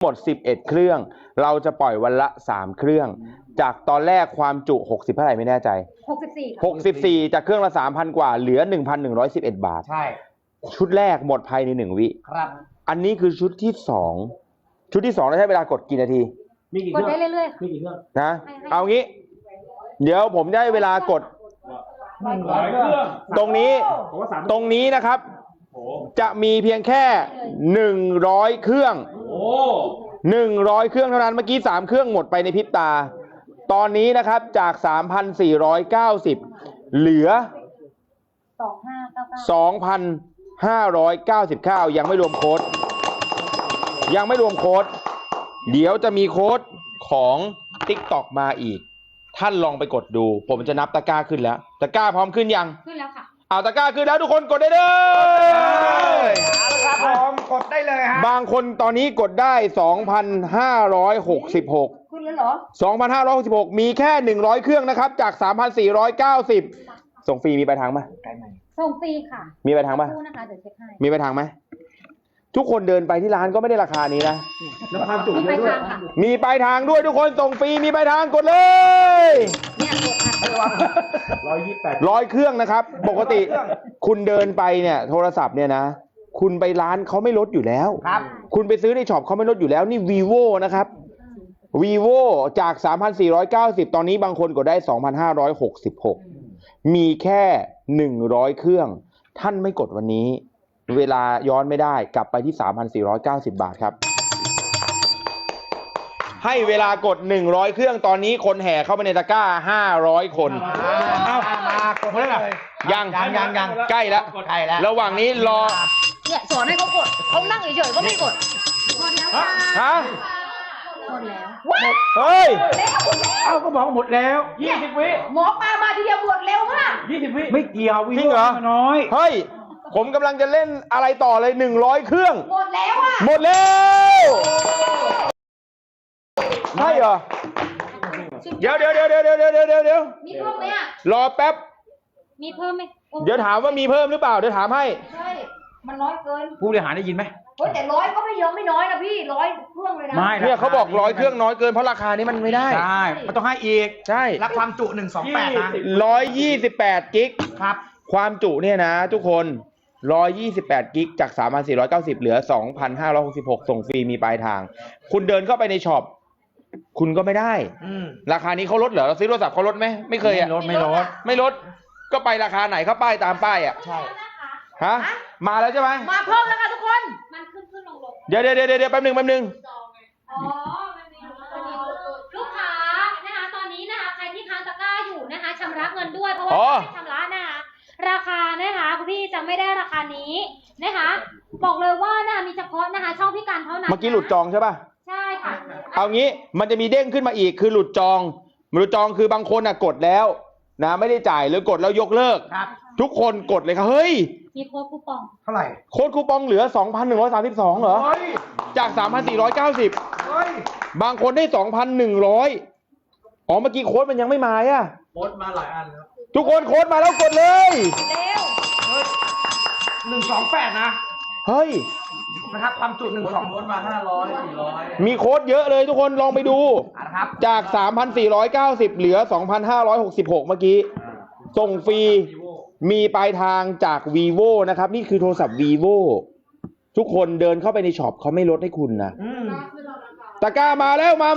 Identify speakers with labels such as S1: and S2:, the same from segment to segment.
S1: หมด11เครื่องเราจะปล่อยวันละ3เครื่องจากตอนแรกความจุ60เท่าไหร่ไม่แน่ใจ64จากเครื่องละ 3,000 กว่าเหลือ 1,111 บาท
S2: ใช่
S1: ชุดแรกหมดภายใน1 วิ
S2: ครับ
S1: อันนี้คือชุดที่2ชุดที่2เราใช้เวลากดกี่นาที
S2: มีกี่เครื่องกดได้เรื่อยๆมีกี่เครื่อง
S1: นะเอางี้เดี๋ยวผมได้เวลากดตรงนี้นะครับจะมีเพียงแค่100เครื่อง100เครื่องเท่านั้นเมื่อกี้3เครื่องหมดไปในพริบตาตอนนี้นะครับจาก 3,490 เหลือ 2,599 ยังไม่รวมโค้ดเดี๋ยวจะมีโค้ดของ TikTok มาอีกท่านลองไปกดดูผมจะนับตะกร้าขึ้นแล้วตะกร้าพร้อมขึ้นยัง
S3: ขึ้นแล้วค่ะ
S1: เอาตะกร้าขึ้นแล้วทุกคนกดได้เลย
S2: ครับผมกดได้เลยฮะ
S1: บางคนตอนนี้กดได้ 2,566
S3: ขึ้นแล้วเหรอ
S1: 2,566 มีแค่100เครื่องนะครับจาก 3,490 ส่งฟรีมีปลายทางไหม
S3: ส่งฟรีค่ะ
S1: มีปลายทางไหม
S3: นะคะเดี๋ยวเช็คให้
S1: มีปลายทางไหมทุกคนเดินไปที่ร้านก็ไม่ได้ราคานี้นะ
S2: แล้วความจุเยอะด้วย
S1: มีปลายทางด้วยทุกคนส่งฟรีมีปลายทางกดเลย
S3: เนี่ย
S1: 100เครื่องนะครับปกติคุณเดินไปเนี่ยโทรศัพท์เนี่ยนะคุณไปร้านเขาไม่ลดอยู่แล้วคุณไปซื้อในช็อปเขาไม่ลดอยู่แล้วนี่ vivo นะครับ vivo จาก 3,490 ตอนนี้บางคนกดได้ 2,566 มีแค่100เครื่องท่านไม่กดวันนี้เวลาย้อนไม่ได้กลับไปที่ 3,490 บาทครับให้เวลากด100เครื่องตอนนี้คนแห่เข้าไปในตะกร้า500คน
S2: เอามากดเท่าไหร่
S1: ยังใกล้แล้วระหว่างนี้รอ
S3: เนี่ยสอนให้เขากดเขานั่งเฉยๆก็ไม่กด
S1: ฮะ
S3: หมดแล้ว
S1: เฮ้ย
S2: เอาก็บอกหมดแล้ว20วิ
S3: หมอปลามาทีเดียวหมดเร็วมาก
S2: 20วิไม่เกี่ยว
S1: จริงเหรอ
S2: น้อย
S1: เฮ้ยผมกำลังจะเล่นอะไรต่อเลย100เครื่อง
S3: หมดแล้วอ่ะ
S1: หมดแล้วใช่เหรอเดี๋ยว
S3: มีเพิ่มไหมอ่ะ
S1: รอแป๊บ
S3: มีเพิ่มไหม
S1: เดี๋ยวถามว่ามีเพิ่มหรือเปล่าเดี๋ยวถามให้
S3: ใช่มันน้อยเกิน
S2: ผู้บริหารได้ยินไหม
S3: เฮ้ยแต่100ก็ไม่เยอะไม่น้อยนะพี่100เครื่องเลยนะ
S2: ไม่
S1: เนี่ยเขาบอก100เครื่องน้อยเกินเพราะราคานี้มันไม่ได้
S2: ใช่มันต้องให้อีก
S1: ใช่
S2: รับความจุ128นะ
S1: 128กิก
S2: ครับ
S1: ความจุเนี่ยนะทุกคน128กิกจาก 3,490 เหลือ 2,566 ส่งฟรีมีปลายทางคุณเดินเข้าไปในช็อปคุณก็ไม่ได้ราคานี้เขาลดเหรอเราซื้อโทรศัพท์เขาลดไหมไม่เคยอ่ะไม่ลดก็ไปราคาไหนเขาป้ายตามป้ายอ่ะ
S2: ใช่
S1: ฮะมาแล้วใช่ไหม
S3: มาเพิ่มแล้วค่ะทุกคนมันขึ้นลง
S1: เดี๋ยวแป๊บนึง
S3: อ๋อลูกค้านะคะตอนนี้นะคะใครที่ค้างตะกร้าอยู่นะคะชำระเงินด้วยเพราะว่าไม่ชำระนะคะราคานะคะคุณพี่จะไม่ได้ราคานี้นะคะบอกเลยว่านะคะมีเฉพาะนะคะช่องพิการเท่านั้น
S1: เมื่อกี้หลุดจองใช่ป่ะ
S3: ใช่ค่ะ
S1: เอางี้มันจะมีเด้งขึ้นมาอีกคือหลุดจองคือบางคนกดแล้วนะไม่ได้จ่ายหรือกดแล้วยกเลิกทุกคนกดเลยครับเฮ้ย
S3: มีโค้ดคูปอง
S2: เท่าไหร่
S1: โค้ดคูปองเหลือ 2,132 เหรอจาก 3,490บางคนได้ 2,100อ๋อเมื่อกี้โค้ดมันยังไม่มาอ่ะ
S2: โค้ดมาหลายอันครับ
S1: ทุกคนโค้ดมาแล้วกดเลย
S3: เร็ว
S2: 128นะ
S1: เฮ้ย
S2: นะครับความจุ12โค้ดมา500 400
S1: มีโค้ดเยอะเลยทุกคนลองไปดูจาก 3,490 เหลือ 2,566 เมื่อกี้ส่งฟรีมีปลายทางจาก vivo นะครับนี่คือโทรศัพท์ vivo ทุกคนเดินเข้าไปในช็อปเขาไม่ลดให้คุณนะตะกร้ามาแล้วมา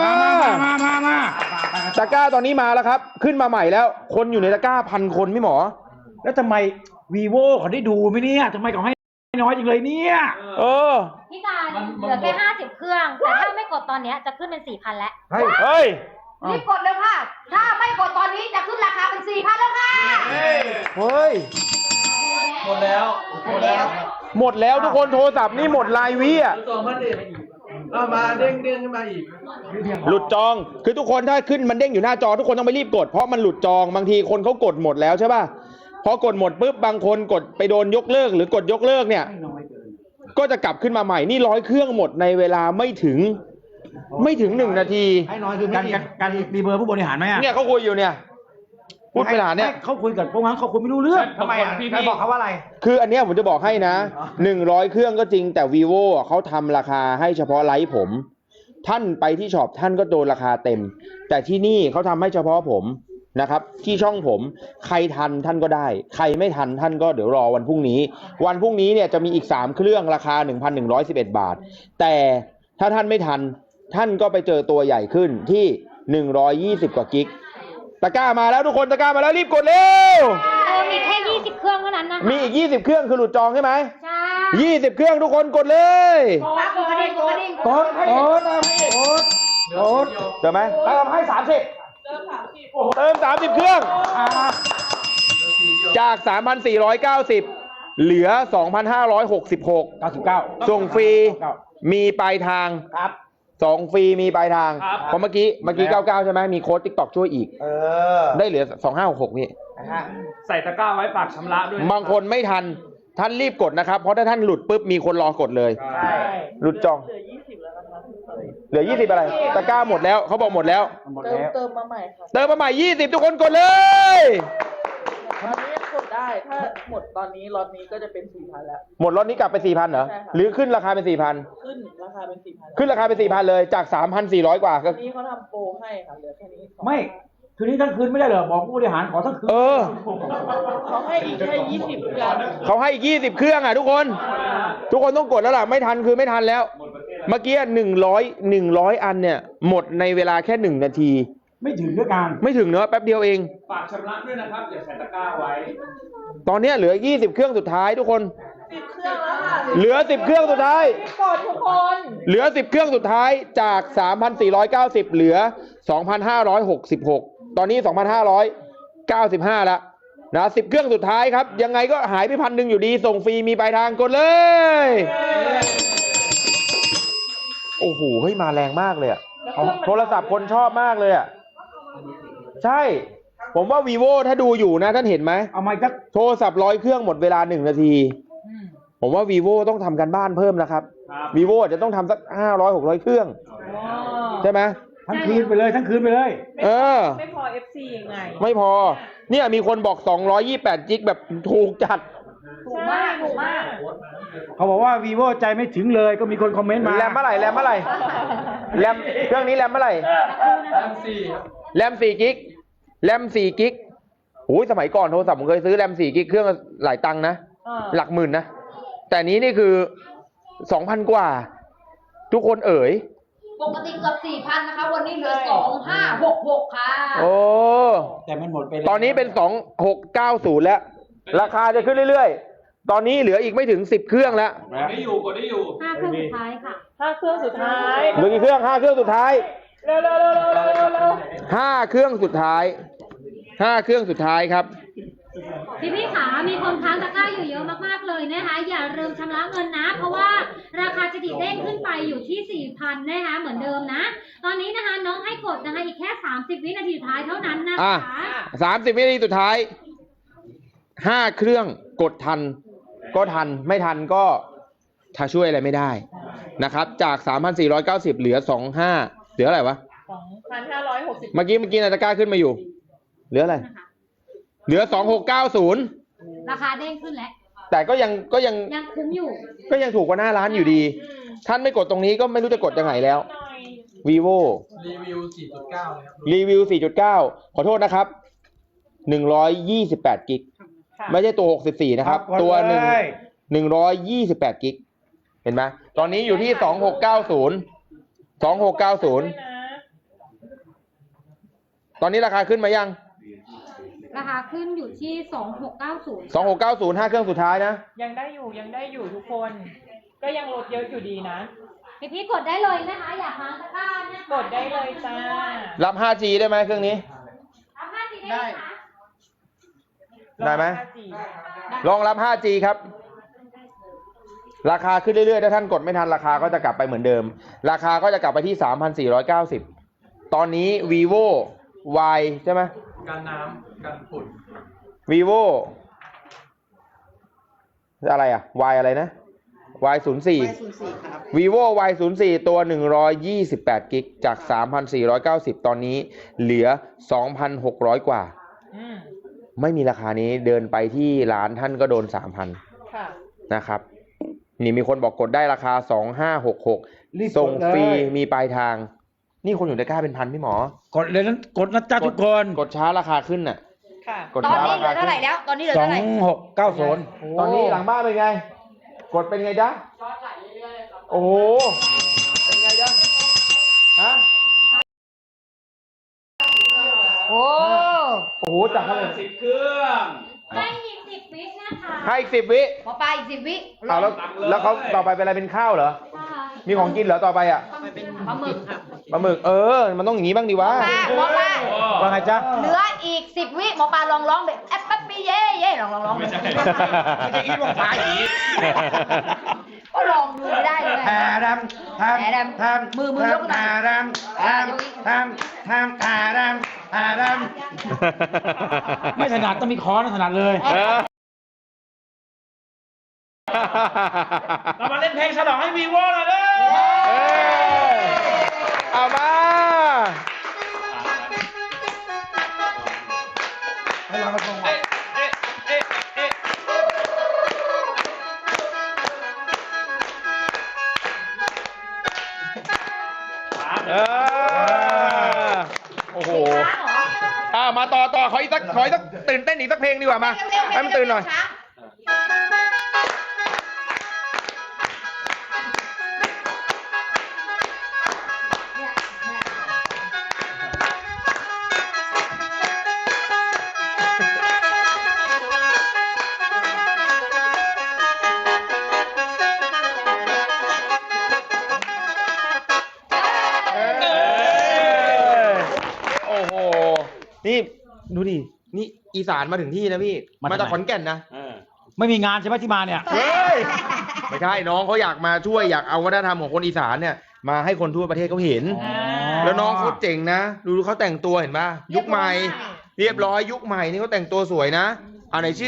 S1: ตะกร้าตอนนี้มาแล้วครับขึ้นมาใหม่แล้วคนอยู่ในตะกร้า1,000 คนพี่หมอ
S2: แล้วทำไม vivo เขาได้ดูไหมเนี่ยทำไมเขาให้น้อยจังเลยเนี่ย
S3: พี่การเหลือแค่50เครื่องแต่ถ้าไม่กดตอนนี้จะขึ้นเป็น 4,000 แล้ว
S1: เฮ้ย
S3: รีบกดเลยค่ะถ้าไม่กดตอนนี้จะขึ้นราคาเป็น 4,000 แล้วค่ะ
S1: เฮ้ย
S2: หมดแล้ว
S1: ทุกคนโทรศัพท์นี่หมดรายวิอ่ะ
S2: มาเด้งขึ้นมาอีก
S1: หลุดจองคือทุกคนถ้าขึ้นมันเด้งอยู่หน้าจอทุกคนต้องไปรีบกดเพราะมันหลุดจองบางทีคนเขากดหมดแล้วใช่ป่ะพอกดหมดปุ๊บบางคนกดไปโดนยกเลิกหรือกดยกเลิกเนี่ยก็จะกลับขึ้นมาใหม่นี่100เครื่องหมดในเวลาไม่ถึง1 นาที
S2: ให้น้อยคือการมีเบอร์ผู้บริหารไหม
S1: เนี่ยเขาคุยอยู่เนี่ยพูดไปหาเนี่ย
S2: เขาคุยกับพวกนั้นเขาคุยไม่รู้เรื่อง
S4: ทำไมอ่ะใครบอกเขาว่าอะไร
S1: คืออันเนี้ยผมจะบอกให้นะ100 เครื่องก็จริงแต่ vivo เขาทำราคาให้เฉพาะไลฟ์ผม ท่านไปที่ช็อปท่านก็โดนราคาเต็ม แต่ที่นี่เขาทำให้เฉพาะผมนะครับที่ช่องผมใครทันท่านก็ได้ ใครไม่ทันท่านก็เดี๋ยวรอวันพรุ่งนี้วันพรุ่งนี้เนี่ยจะมีอีก3เครื่องราคา 1,111 บาทแต่ถ้าท่านไม่ทันท่านก็ไปเจอตัวใหญ่ขึ้นที่120 กว่ากิกตะกร้ามาแล้วทุกคนตะกร้ามาแล้วรีบกดเร็ว
S3: มีแค่20 เครื่องเท่านั้นนะคะ
S1: มีอีก20 เครื่องคือหลุดจองใช่ไหม
S3: ใช่
S1: 20 เครื่องทุกคนกดเลย
S3: กดกระดิ่งกดกระดิ่ง
S2: โอ๊ต
S1: เจอไหม
S2: เติมให้30
S1: เติม30 เครื่อง จาก 3,490 เหลือ 2,566
S2: 99
S1: ส่งฟรีมีปลายทาง
S2: ครับ
S1: ส่งฟรีมีปลายทาง
S4: ครับ
S1: เพราะเมื่อกี้99ใช่ไหมมีโค้ด TikTok ช่วยอีก ได้เหลือ 2566นี่
S4: ใส่ตะกร้าไว้ฝากชำระด้วย
S1: บางคนไม่ทันท่านรีบกดนะครับเพราะถ้าท่านหลุดปุ๊บมีคนรอกดเลย
S4: ใช่
S1: หลุดจองเหลือ20อะไรตะกร้าหมดแล้วเขาบอกหมดแล้ว
S2: หมดแล้ว
S5: เติมมาใหม่ค่ะ
S1: เติมมาใหม่20ทุกคนกดเลย
S5: ตอนนี้ยังกดได้ ถ้าหมดตอนนี้ล็อตนี้ก็จะเป็น 4,000 แล้ว
S1: หมดรถนี้กลับไป 4,000เหรอ
S5: ใช่ค่ะ
S1: หรือขึ้นราคาเป็น 4,000
S5: ขึ้นราคาเป็น 4,000
S1: ขึ้นราคาเป็น 4,000 เลยจาก 3,400 กว่าก็
S5: วันนี้เขาทำโปรให้ค่ะ เหลือแค่นี้
S2: ไม่คืนนี้ทั้งคืนไม่ได้เหรอบอกผู้บริหารขอทั้งคืน
S1: เออ
S5: เขาให้อีกแค่20กัน
S1: เขาให้20 เครื่องอ่ะทุกคน ทุกคนต้องกดแล้วล่ะไม่ทันคือไม่ทันแล้ว เมื่อกี้100 อันเนี่ยหมดในเวลาแค่1 นาที
S2: ไม่ถึงด้วยกัน
S1: ไม่ถึงเนอะแป๊บเดียวเอง
S4: ฝากชำระด้วยนะครับอย่าใส่ตะกร้าไว้
S1: ตอนเนี้ยเหลือ20 เครื่องสุดท้ายทุกคน
S5: 10 เครื่องแล้วค่ะ
S1: เหลือ10 เครื่องสุดท้าย
S5: กดทุกคน
S1: เหลือ10 เครื่องสุดท้ายจาก 3,490 เหลือ 2,566 ตอนนี้ 2,595 แล้วนะ10 เครื่องสุดท้ายครับ ยังไงก็หายไป1,000อยู่ดี ส่งฟรีมีปลายทางกดเลย โอ้โห เฮ้ย มาแรงมากเลยอะโทรศัพท์คนชอบมากเลยอะใช่ ผมว่า vivo ถ้าดูอยู่นะท่านเห็นไหม
S2: เอามาอีกสัก
S1: โทรศัพท์100 เครื่องหมดเวลา1 นาที ผมว่า vivo ต้องทำกันบ้านเพิ่มนะครับ
S4: ครับ
S1: vivo อาจจะต้องทำสัก500-600 เครื่อง ใช่ไหม
S2: ทั้งคืนไปเลยทั้งคืนไปเลย
S1: เออ
S5: ไม่พอ FC ยังไง
S1: ไม่พอ เนี่ยมีคนบอก228จิกแบบถูกจัด
S5: ถูกมาก ถูกมาก
S2: เขาบอกว่า vivo ใจไม่ถึงเลยก็มีคนคอมเมนต์มา
S1: แรมเมื่อไหร่แรมเมื่อไหร่แรมเครื่องนี้แรมเมื่อไหร่แรม4 กิกแรม4 กิกโอ้ยสมัยก่อนโทรศัพท์ผมเคยซื้อแรม4 กิกเครื่องละหลายตังค์นะ หลักหมื่นนะ แต่นี้นี่คือ 2,000 กว่า ทุกคนเอ๋ย
S3: ปกติเกือบ 4,000 นะคะ วันนี้เหลือ 2,566 ค่ะ
S1: โอ้
S2: แต่มันหมดไปแล้ว
S1: ตอนนี้เป็น 2690 แล้ว ราคาจะขึ้นเรื่อยๆ ตอนนี้เหลืออีกไม่ถึง10 เครื่องแล้ว
S4: กดได้อยู่กดได้อยู่
S3: 5 เครื่องสุดท้ายค่ะ
S5: 5 เครื่องสุดท้าย
S1: เหลือกี่เครื่อง5 เครื่องสุดท้าย
S5: เร็วๆๆๆๆ
S1: 5 เครื่องสุดท้าย 5 เครื่องสุดท้ายครับ
S3: พี่ขามีคนค้างตะกร้าอยู่เยอะมากๆเลยนะคะ อย่าลืมชำระเงินนะ เพราะว่าราคาจะดีเด้งขึ้นไปอยู่ที่ 4,000 นะคะเหมือนเดิมนะ ตอนนี้นะคะน้องให้กดนะคะอีกแค่ 30 วินาทีสุดท้ายเท่านั้นนะ
S1: อ่ะ
S3: คะ
S1: 30 วินาทีสุดท้าย 5 เครื่องกดทัน ก็ทัน ไม่ทันก็ถ้าช่วยอะไรไม่ได้นะครับ จาก 3,490 เหลือ 25 เหลืออะไรวะ
S5: 2,560
S1: เมื่อกี้นาฬิกาขึ้นมาอยู่ เหลืออะไร เหลือ 2690
S3: ราคาเด้งขึ้นแล้ว
S1: แต่ก็ยัง
S3: ยังคุ้มอยู่
S1: ก็ยังถูกกว่าหน้าร้านอยู่ดี ท่านไม่กดตรงนี้ก็ไม่รู้จะกดยังไงแล้ว vivo รีวิว 4.9 ขอโทษนะครับ 128 กิก ไม่ใช่ตัว 64 นะครับ
S2: กด
S1: ตัว
S2: เลย
S1: 128 กิก เห็นไหม ตอนนี้อยู่ที่ 2690 ตอนนี้ราคาขึ้นมายัง
S3: ราคาขึ้นอยู่ที่ 2690
S1: 2690 5 เครื่องสุดท้ายนะ
S6: ยังได้อยู่ทุกคน ก็ยังลดเยอะอยู่ดีนะ
S3: พี่กดได้เลยนะคะ อยากค้างตะกร้าเนี่ย
S6: กดได้เลยจ้า
S1: รับ 5G ได้ไหมเครื่องนี้
S3: รับ5 ทีได้ไหมคะ
S1: ได้ไหม
S6: ลอง
S1: รองรับ 5G ครับ ราคาขึ้นเรื่อยๆ ถ้าท่านกดไม่ทันราคาก็จะกลับไปเหมือนเดิม ราคาก็จะกลับไปที่ 3,490 ตอนนี้ vivo Y ใช่ไหม
S4: กันน้ำกันฝุ่น
S1: vivo อะไรอ่ะ Y อะไรนะ Y04 vivo Y04 ตัว128 กิกจาก 3,490 ตอนนี้เหลือ 2,600 กว่า
S6: อืม
S1: ไม่มีราคานี้เดินไปที่ร้านท่านก็โดน 3,000
S6: ค่ะ
S1: นะครับ นี่มีคนบอกกดได้ราคา
S2: รีบ
S1: 2566 ส่ง
S2: กดเลย
S1: ฟรีมีปลายทาง นี่คนอยู่ตะกร้าเป็นพันพี่หมอ
S2: กดเลยนั้นกดนะจ๊ะทุกคน
S1: กดช้าราคาขึ้นน่ะ
S6: ค่ะ
S1: กด
S7: ตอน
S1: ช้า
S7: นี้
S1: รา
S7: เหลื
S1: คา
S7: อเท่าไหร่แล้ว ตอนนี้เหลือ
S2: สอ
S7: เท่าง ไหร่
S2: หกเก้าศูนย์
S1: ตอนนี้หลังบ้านเป็นไง กดเป็นไงจ๊ะโอ้โห เป็นไงจ๊ะฮะ
S7: โอ้
S1: โอ้โหจากเท่าไหร่
S4: 10 เครื่อง
S3: ให้อีก10 วินะคะ
S1: ให้อีก10 วิ
S7: หมอปลาอีก10 วิ
S1: เอาแล้วเขาต่อไปเป็นอะไรเป็นข้าวเหรอ
S3: นะคะ
S1: มีของกินเหรอต่อไปอ่ะ
S7: ปลาหมึกค่ะ
S1: ปลาหมึกมันต้องอย่างนี้บ้างดีวะ
S7: หมอปลา
S2: ว่าไงจ๊ะ
S7: เหลืออีก10 วิหมอปลาลองร้องแบบแอปปั๊บปี้เย่เย่ลอง
S4: ไม่ใช่
S2: ไม่ใช่อีทวงฟ้าอีท
S7: ก็ลองดูไม่ได้เลย
S2: แทดำท
S7: แทดำ
S2: ำ
S7: มือยกหน่อย
S2: ทำทำทำทำทำไม่ถนัดต้องมีค้อนถนัดเลย เรามาเล่นเพลงฉลองให้วีโว่หน่อยเลย
S1: เอามา
S2: ให้เราไปส่งมา
S1: โอ้โห
S3: ช้างเหรอ
S1: มาต่อขออีกสักตื่นเต้นอีกสักเพลงดีกว่ามา ให้มันตื่นหน่อย โอ้โห นี่ดูดิ นี่อีสานมาถึงที่นะพี่ มาจากขอนแก่นนะ
S2: ไม่มีงานใช่ไหมที่มาเนี่ย
S1: เฮ้ย ไม่ใช่น้องเขาอยากมาช่วยอยากเอาวัฒนธรรมของคนอีสานเนี่ยมาให้คนทั่วประเทศเขาเห็น แล้วน้องเขาเจ๋งนะ ดูเขาแต่งตัวเห็นป่ะ ยุคใหม่ เรียบร้อยยุคใหม่นี่เขาแต่งตัวสวยนะไหนชื่อ